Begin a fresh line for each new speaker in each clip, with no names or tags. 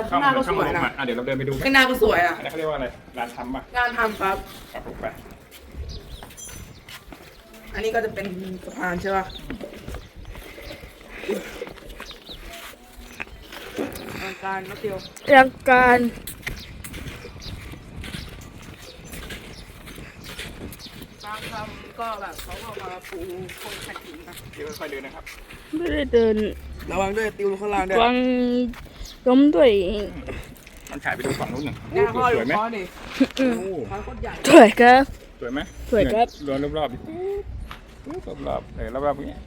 ข้างหน้าก็สวยนะ
เดี๋ยวเราเดินไปดู
ข้างหน้าก็สวยอ่ะ
อันนี้เขาเรียกว่าอะไรร้านทำป่ะ
งานทำครับ
ครับผมไป
อันนี้ก็จะเป็นสะพานใช่ป่ะทางการนักเดียว
รังการ
บางคำก็แบบเขาก็มาปูโครงแผ่นหินนะ
เดี๋ยวค่อยๆเดินนะครับ
ไม่ได้เดิน
ระวังด้วยติวข้างล่างด้วย
วางล้มด้วย
มันฉายไปดูฝั่งนู้นหนึ่ง
หน้าพ่ออ
ส
ยู่
วยไหม
พ่อดิ
โอ้
พ่อโคตรใหญ่
สวยครับ
สวยไหม
สวยครับ
รอบรอบๆดิรอบๆรอบๆอย่างเงี้ย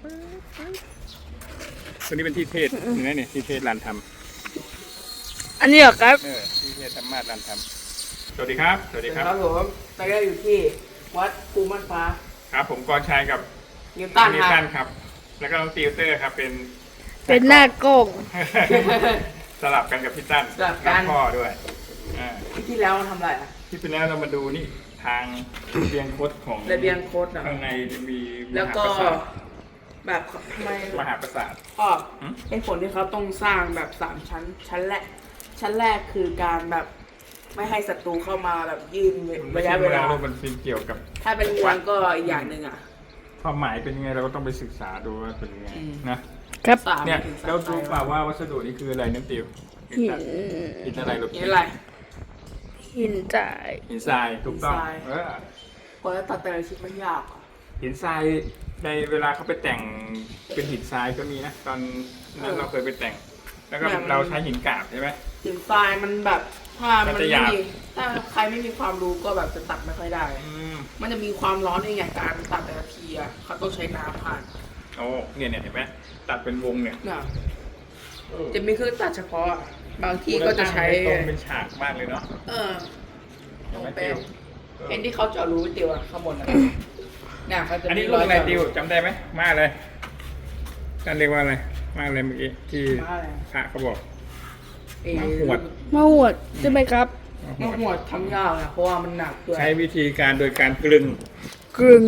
ตัวนี้เป็นที่เทศเห็นไหมเนี่ยที่เทศร้านท
อันนี้เหรอครับ
ำที่เทศธรรมาสร้านทำสวัสดีครับ สวัสดีครับ
ครับผมตอนนี้อยู่ที่วัดภูมันฟ้า
ครับผมกรชัยกับ
นิวตัน
นิ
คว รับ
ตันครับ แล้วก็น้องติวเตอร์ครับเป็น
เป็นหน้ากล้อง
สลับกันกับพี่ตั้น
สลับกัน
พ่อด้วย
ที่แล้วทำอะไรอ่ะ
ที่เป็นแล้วเรามาดูนี่ทางระเบียงคดของ
ระเบียงโคตรอ่ะ
ข้างในจะมี
แล้วก็
มหาปราสาท
แบบทำไม
มหาปราสาท
พ่อ
หืม
เหตุผลที่เขาต้องสร้างแบบ3 ชั้น ชั้นแรกคือการแบบไม่ให้ศัตรูเข้ามาแบบยืนระยะเวลา
มันเป็นเกี่ยวกับ
ถ้าเป็นเมืองก็อีกอย่างหนึ่งอ่ะ
ความหมายเป็นยังไงเราก็ต้องไปศึกษาดูว่าเป็นยังไง
อืม
นะครับ
สาม
เนี่ย
ถึงสาม
เราดูเปล่าว่าวัสดุนี้คืออะไรน้ำติว
หิน
หินอะไรลูก
นี่อะไร
หินจ่าย
หินทรายถูกต้อง
หินทราย พอจะตัดแต่ละชิ้นมันยากอ่ะ
หินทรายในเวลาเขาไปแต่งเป็นหินทรายก็มีนะตอนนั้นเราเคยไปแต่ง แล้วก็เราใช้หินกาบใช่ไหม
หินทรายมันแบบถ้ามัน
มันจะห
ไม่
ยาบ
มีถ้าใครไม่มีความรู้ก็แบบจะตัดไม่ค่อยได้ มันจะมีความร้อนในอย่างการตัดแต่ละทีอ่ะเขาต้องใช้น้ำผ่าน
โอ้เนี่ยเห็นไหมตัดเป็นวงเนี่ย
เนี่ยจะมีเครื่องตัดเฉพาะอะบางที่ก็จะใช้
ตรงเป็นฉากมากเลยเนาะ
ตรงเป๊ะเห็นที่เขาเจาะรูไว้ติวอะข้างบนอะเนี่ยเขาจะ
อัน
มี
นี้
ร
ลู
อก ย
อะไร
เจาะ
ติวจำได้ไหมมาเลยท่านเรียกว่าอะไรมาอะไรเมื่อกี้ที่
มาอะไร
พระเขาบอก
เอ่อ
มาหวด
มาหวดใช่ไหมครับ
มาหวดทำยากนะเพราะว่ามันหนักด้วย
ใช้วิธีการโดยการกลึง
กรึง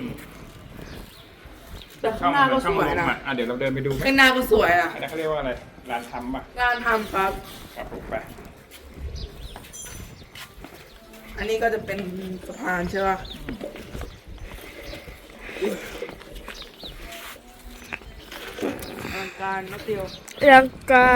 แต่ข้างหน้าก็สวยนะ
เดี๋ยวเราเดินไปดูไหม
ข้างหน้าก็สวยอ่ะ
อันนี้เขาเรียกว่าอะไรร้านทำป่ะ
งานทำครับ
ครับผมไป
อันนี้ก็จะเป็นสะพานใช่ป่ะทางการนักเดียว
รังการ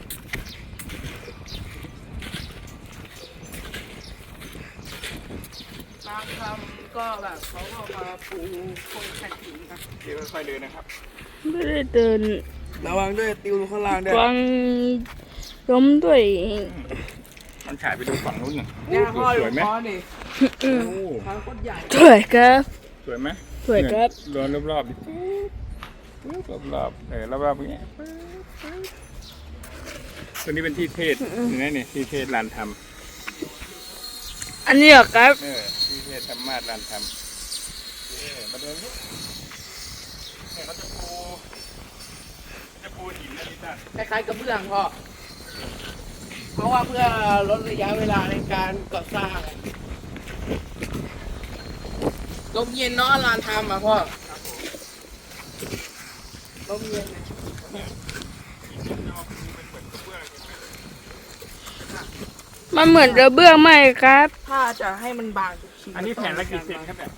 บางคำก็แบบเขาก็มาปูโครงแผ่นหินนะ
เดี๋ยวค่อยๆเดินนะครับ
ไม่ได้เดิน
ระวังด้วยติวข้างล่างด้วย
วางล้มด้วย
มันฉายไปดูฝั่งนู้นหนึ่ง
หน้าพ่ออ
ส
ยู่
วยไหม
พ่อดิ
โอ้
ทางโคตรใหญ่
สวยครับ
สวยไหม
สวยครับ
เนี่ยรอบๆดิรอบๆรอบๆอย่างเงี้ยตัวนี้เป็นที่เทศเห็นไหมเนี่ยที่เทศร้านท
อันนี้เหรอครับ
ำที่เทศธรรมาสร้านทำมาเดินนี่เนี่ยเขาจะปูหินนะพี่ตั้น
คล้ายๆกระเบื้องพ่อเพราะว่าเพื่อลดระยะเวลาในการก่อสร้างลมเย็นเนาะลานทำอ่ะพ่อลมเย็นนะ
มันเหมือนกระเบื้องไหมครับ
ถ้าจะให้มันบางทุกชิ้น
อันนี้แผ่นละกี่เซนครับเนี่ย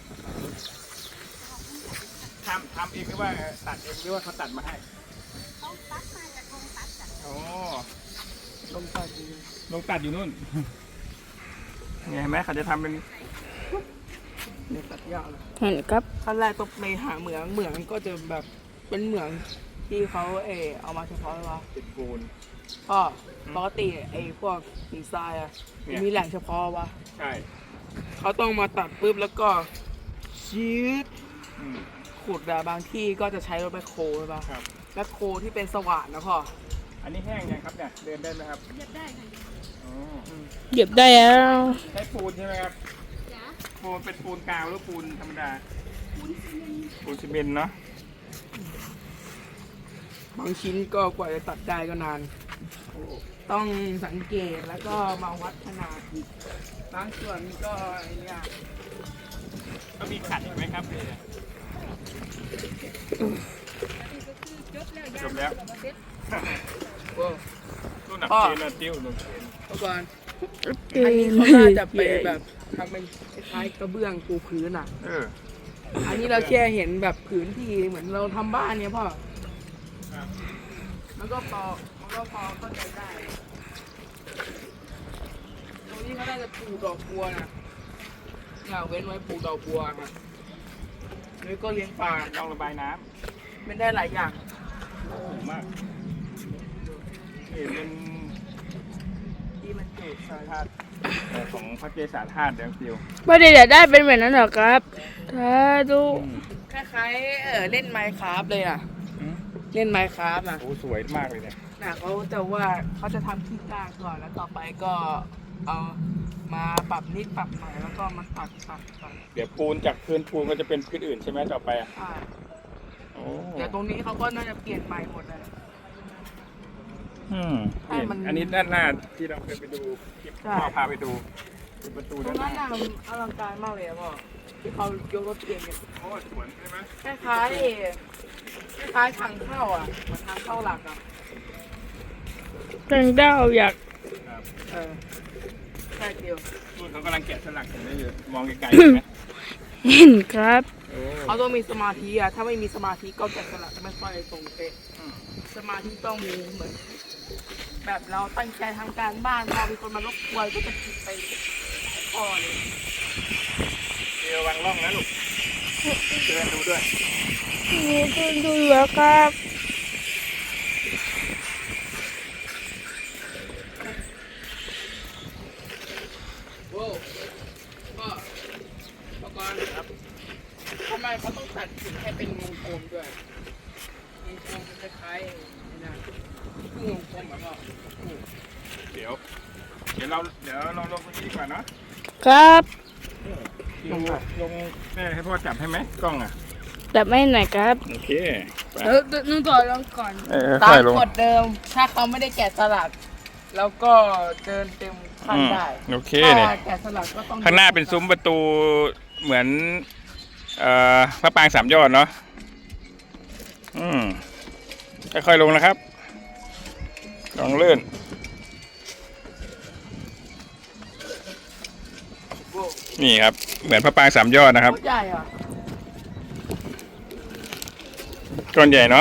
ทำเองหรือว่าตัดเองหรือว่าเขาตัดมาให้เขาตัดมาจากโรงตัดโอ้
ลมตัดดี
ลงตัดอยู่นู่นเนี่ยเห็นไหมเขาจะทำเป็น
เนี่ยตัดยากเลย
เห็นครับ
ขั้นแรกต้องไปหาเหมืองก็จะแบบเป็นเหมืองที่เขาเอามาเฉพาะว่า
ติดปูน
พ่อปกติพวกหินทรายอะ
เนี่ย
มีแหล่งเฉพาะวะ
ใช่
เขาต้องมาตัดปุ๊บแล้วก็ชีด
อืม
ขุดอะบางที่ก็จะใช้รถแบคโฮใช่ปะ
ครับ
แบคโฮที่เป็นสว่านนะพ่อ
อันนี้แห้งยังครับเนี่ยเดินได้ไหมครับเดินได้ค่ะอ๋อ
เหยียบได้แล้ว
ใช้ปูนใช่ไหมครับปูนเป็นปูนกาวหรือปูนธรรมดาปูนซีเมนต์เนาะ
บางชิ้นก็กว่าจะตัดได้ก็นาน ต้องสังเกตแล้วก็มาวัดขนาดอีกบางส่วนก็ไอ้เนี่ย
ก็มีขัดอีกไหมครับเนี่ยจบแล้ว
โอ้
ตัวหนัก
พ่อ
เชนนะติ้วหนักเชน
เมื่อก่อน
เกิ
อันนี้
น
เขาน่าจะไปแบบทำเป็นคล้ายๆกระเบื้องปูพื้นอ่ะ อันนี้เราแค่เห็นแบบผืนที่เหมือนเราทำบ้านเนี่ยพ่อ
ครับ
มันก็พอเข้าใจได้ ตรงนี้เขาน่าจะปลูกดอกบัวนะเนี่ยเว้นไว้ปลูกดอกบัวครับแล้วก็เลี้ยงปลา
ต้องระบายน้
เป็นได้หลายอย่าง
ำถูกมากนี่เป็น
ที่มันเกิดสาย
ธาตุของพระเกศาธาตุเดี๋ยวติ้ว
ไม่ได้อยากได้เป็นแบบนั้นหรอครับถ้าดู
คล้ายๆเล่นไมค์คราฟเลยนะเล่นไมค์คราฟนะ
โอ้สวยมากเลยเนี่ย
น่ะเขาจะว่าเขาจะทำขี้กล้าก่อนแล้วต่อไปก็เอามาปรับนิดปรับหน่อยแล้วก็มาตัด
เดี๋ยวปูนจากพื้นปูนก็จะเป็นพื้นอื่นใช่ไหมต่อไปอ่ะ
อ่า
โอ้
เดี๋ยวตรงนี้เขาก็น่าจะเปลี่ยนใหม่หมดเลย
เห็นอันนี้ด้านหน้าที่เราเคยไปดูคลิป
ใช่
พ่อพาไปดูเป็นประตู
ตร
ด้าง นห
นั้น
น้า
น่ะมันอลังการมากเลยอะพ่อที่เขายกรถเองเนี่ย
โอ้สวนใช่ไหม
คล้ายทางเข้าอ่ะเหมือนทางเข้าหลักอ่ะ
ตังดาวอยาก
ครับ
แค่เดียว
นู่นเขากำลังแกะสลักเห็นได้อยู่มองไกลๆเห็นไหม
เห็นครับ
โอ้
เขาต้องมีสมาธิอ่ะถ้าไม่มีสมาธิก็แกะสลักไม่ค่อยตรงเป๊ะ
อืม
สมาธิต้องมีเหมือน แบบเราตั้งใจทำการบ้านพอมีคนมารบกวนก็จะผิดไปพอเลย
เดี๋ยววางร่องนะลูกเดินดูด้วย
นี่ดูแล้วครับ
โว้พ่อก่อนครับทำไมเขาต้องตัดหินให้เป็นวงกลมด้วยวงกลมมันจะคล้ายๆนี่นะคือวงกลมแบบว่า
เดี๋ยวเราลงตรงนี้ดีกว่าเนาะ
ครับ
ลงแม่ให้พ่อจับให้ไหมกล้องอ่ะ
แต่ไม่ไหนครับ
โอเคไป
นึกต่อลองก่อน
ตา
ค่อ
ม
ยลง
กฎเดิม ถ้าเขาไม่ได้แกะสลักแล้วก็เดินเต็มขั้นได้
โอเค
ถ้า
เนี่ย
แกะสลักก็ต้อง
ข้างหน้าเป็นซุ้มประตูเหมือนพระปรางสามยอดเนาะค่อยๆลงนะครับลองเลื่อน
โว้
นี่ครับเหมือนพระปรางสามยอดนะครับ
โคตรใหญ่อ่ะ
ก้อนใหญ่เนาะ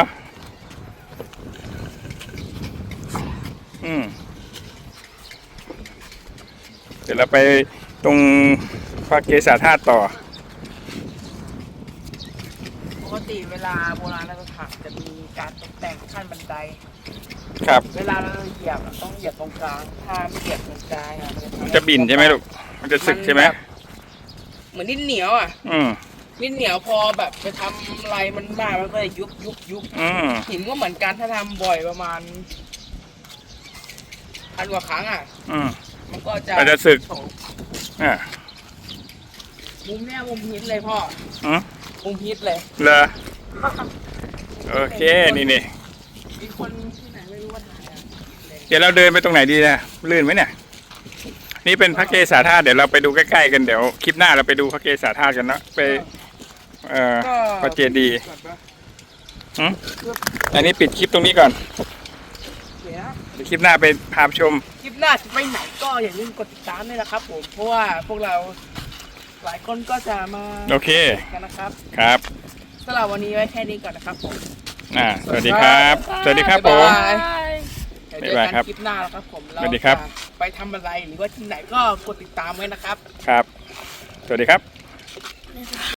เดี๋ยวเราไปตรงพระเกศาธาตุต่อ
ปกติเวลาโบราณสถานจะมีการตกแต่งขั้นบันได
ครับ
เวลาเราเหยียบอะต้องเหยียบตรงกลาง ถ้าไม่เหยียบตรงกลางอะมัน
จะบินใช่ไหมลูกมันจะสึกใช่ไหม
เหมือนดิ้นเหนียวอ่ะ
อืม
ดิ้นเหนียวพอแบบไปทำอะไรมันมากมันก็จะยุบ หินก็เหมือนกันถ้าทำบ่อยประมาณพันกว่าครั้งอ่ะ มันก็จะ
มันจะสึก
โฉบ
อ่า
มุมเนี้ยมุมฮิตเลยพ่อ
อืม
มุมฮิตเลย
เหรอโอเคนี่
มีคนที่ไหนไม่รู้ว่าถ่ายอ่ะ
เดี๋ยวเราเดินไปตรงไหนดีนะลื่นไหมเนี่ยนี่เป็นพระเกศาธาตุเดี๋ยวเราไปดูใกล้ๆกันเดี๋ยวคลิปหน้าเราไปดูพระเกศาธาตุกันเนาะไปพระเจดีย์อันนี้ปิดคลิปตรงนี้ก่อน
เดี๋ยวนะ
เดี๋ยวคลิปหน้าไปพาชม
คลิปหน้าจะไปไหนก็อย่าลืมกดติดตามด้วยนะครับผมเพราะว่าพวกเราหลายคนก็จะมา
โอเค
กันนะครับ
ครับ
สำหรับวันนี้ไว้แค่นี้ก่อนนะครับผม
สวัสดีครับสวัสดีครับผม
บ๊ายบาย เดี๋ยวเจอ
บ๊ายบายครั
กับ นคลิปหน้าแล้วครับผมเรา
สวัสดีครับ
จะไปทำอะไรหรือว่าที่ไหนก็กดติดตามไว้นะครับ
ครับ สวัสดีครับ